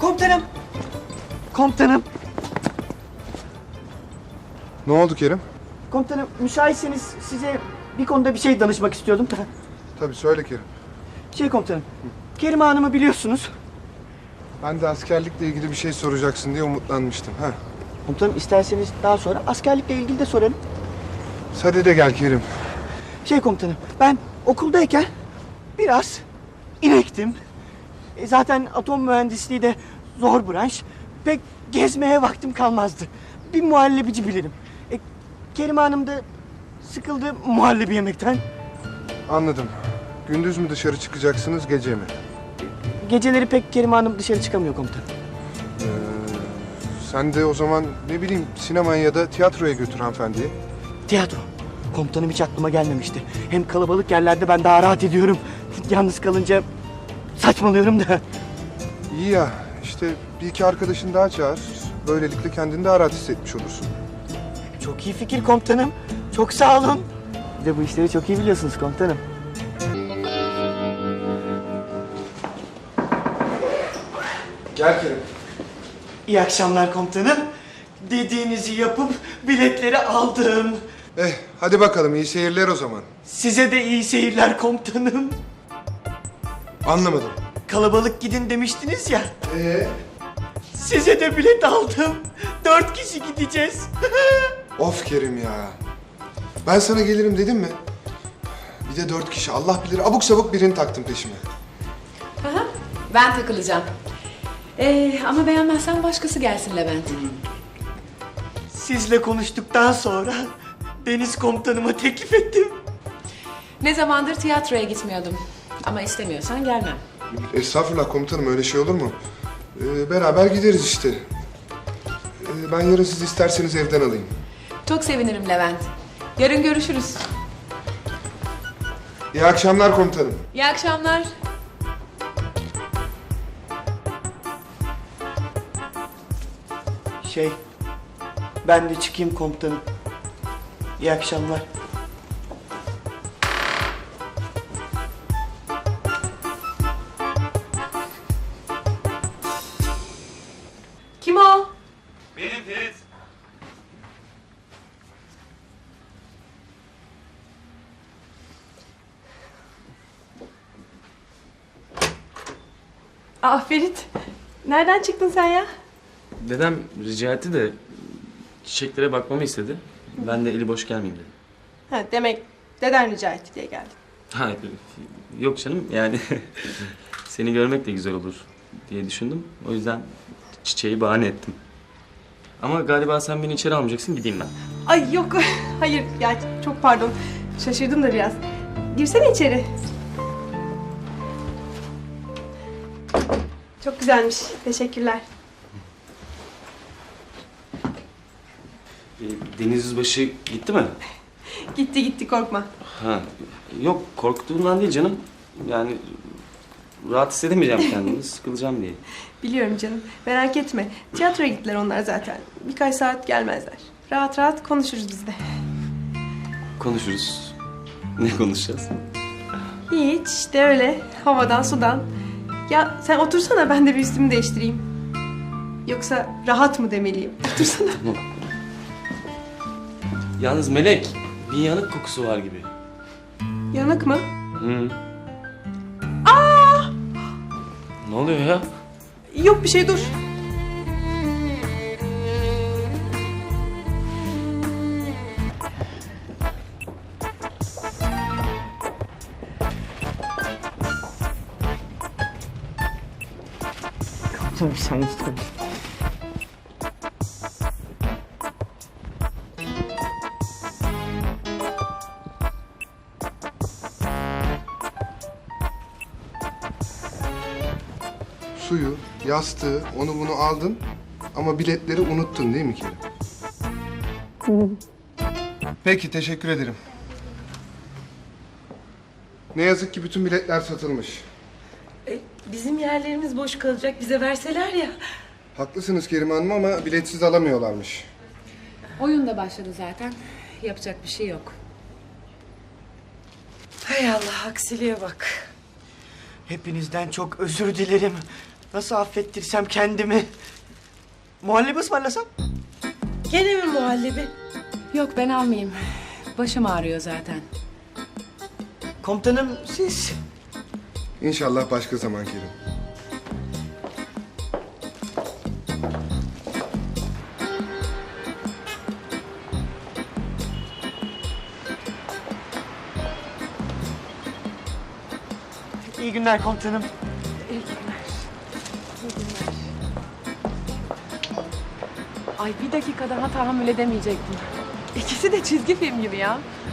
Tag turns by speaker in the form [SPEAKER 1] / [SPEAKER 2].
[SPEAKER 1] Komutanım. Komutanım.
[SPEAKER 2] Ne oldu Kerim?
[SPEAKER 1] Komutanım müsaitseniz size bir konuda bir şey danışmak istiyordum.
[SPEAKER 2] Tabii söyle Kerim.
[SPEAKER 1] Komutanım. Kerime Hanım'ı biliyorsunuz.
[SPEAKER 2] Ben de askerlikle ilgili bir şey soracaksın diye umutlanmıştım. Ha.
[SPEAKER 1] Komutanım isterseniz daha sonra askerlikle ilgili de sorarım.
[SPEAKER 2] Hadi de gel Kerim.
[SPEAKER 1] Komutanım ben okuldayken biraz inektim. Zaten atom mühendisliği de zor branş. Pek gezmeye vaktim kalmazdı. Bir muhallebici bilirim. Kerime Hanım da sıkıldı muhallebi yemekten.
[SPEAKER 2] Anladım. Gündüz mü dışarı çıkacaksınız, gece mi?
[SPEAKER 1] Geceleri pek Kerime Hanım dışarı çıkamıyor komutanım.
[SPEAKER 2] Sen de o zaman ne bileyim sinemaya ya da tiyatroya götür hanımefendiyi.
[SPEAKER 1] Tiyatro. Komutanım hiç aklıma gelmemişti. Hem kalabalık yerlerde ben daha rahat ediyorum. Yalnız kalınca saçmalıyorum da.
[SPEAKER 2] İyi ya, işte bir iki arkadaşın daha çağır. Böylelikle kendini daha rahat hissetmiş olursun.
[SPEAKER 1] Çok iyi fikir komutanım. Çok sağ olun. Bir de bu işleri çok iyi biliyorsunuz komutanım.
[SPEAKER 2] Gel Kerim.
[SPEAKER 1] İyi akşamlar komutanım. Dediğinizi yapıp biletleri aldım.
[SPEAKER 2] Hadi bakalım iyi seyirler o zaman.
[SPEAKER 1] Size de iyi seyirler komutanım.
[SPEAKER 2] Anlamadım.
[SPEAKER 1] Kalabalık gidin demiştiniz ya. Size de bilet aldım. 4 kişi gideceğiz.
[SPEAKER 2] Of Kerim ya. Ben sana gelirim dedim mi? Bir de 4 kişi Allah bilir abuk sabuk birini taktım peşime.
[SPEAKER 3] Aha, ben takılacağım. Ama beğenmezsen başkası gelsin Levent.
[SPEAKER 1] Sizle konuştuktan sonra Deniz komutanıma teklif ettim.
[SPEAKER 3] Ne zamandır tiyatroya gitmiyordum. Ama istemiyorsan gelmem.
[SPEAKER 2] Estağfurullah komutanım öyle şey olur mu? Beraber gideriz işte. Ben yarın siz isterseniz evden alayım.
[SPEAKER 3] Çok sevinirim Levent. Yarın görüşürüz.
[SPEAKER 2] İyi akşamlar komutanım.
[SPEAKER 3] İyi akşamlar.
[SPEAKER 1] Ben de çıkayım komutanım. İyi akşamlar.
[SPEAKER 3] Kim o?
[SPEAKER 4] Benim Ferit.
[SPEAKER 5] Aa Ferit, nereden çıktın sen ya?
[SPEAKER 4] Dedem rica etti de çiçeklere bakmamı istedi. Ben de eli boş gelmeyeyim dedim.
[SPEAKER 5] Ha, demek deden rica etti diye geldin.
[SPEAKER 4] Ha, yok canım yani seni görmek de güzel olur diye düşündüm. O yüzden çiçeği bahane ettim. Ama galiba sen beni içeri almayacaksın, gideyim ben.
[SPEAKER 5] Ay yok, hayır ya çok pardon. Şaşırdım da biraz. Girsene içeri. Çok güzelmiş, teşekkürler.
[SPEAKER 4] Deniz Yüzbaşı gitti mi?
[SPEAKER 5] Gitti gitti korkma.
[SPEAKER 4] Ha, yok korktuğumdan değil canım. Yani rahat hissedemeyeceğim kendimi, sıkılacağım diye.
[SPEAKER 5] Biliyorum canım, merak etme. Tiyatroya gittiler onlar zaten. Birkaç saat gelmezler. Rahat rahat konuşuruz biz de.
[SPEAKER 4] Konuşuruz. Ne konuşacağız?
[SPEAKER 5] Hiç işte öyle havadan sudan. Ya sen otursana ben de bir üstümü değiştireyim. Yoksa rahat mı demeliyim? Otursana.
[SPEAKER 4] Tamam. Yalnız Melek, bir yanık kokusu var gibi.
[SPEAKER 5] Yanık mı?
[SPEAKER 4] Hı. Ne oluyor ya?
[SPEAKER 5] Yok bir şey dur.
[SPEAKER 1] Komutanım sen
[SPEAKER 2] Suyu, yastığı, onu bunu aldın ama biletleri unuttun değil mi Kerim? Peki teşekkür ederim. Ne yazık ki bütün biletler satılmış.
[SPEAKER 6] Bizim yerlerimiz boş kalacak, bize verseler ya.
[SPEAKER 2] Haklısınız Kerim Hanım ama biletsiz alamıyorlarmış.
[SPEAKER 3] Oyun da başladı zaten. Yapacak bir şey yok.
[SPEAKER 6] Hay Allah, aksiliğe bak.
[SPEAKER 1] Hepinizden çok özür dilerim. Nasıl affettirsem kendimi? Muhallebi ısmarlasam?
[SPEAKER 6] Gene mi muhallebi?
[SPEAKER 3] Yok ben almayayım. Başım ağrıyor zaten.
[SPEAKER 1] Komutanım siz...
[SPEAKER 2] İnşallah başka zaman Kerim.
[SPEAKER 1] İyi günler komutanım.
[SPEAKER 3] Ay bir dakika daha tahammül edemeyecektim. İkisi de çizgi film gibi ya.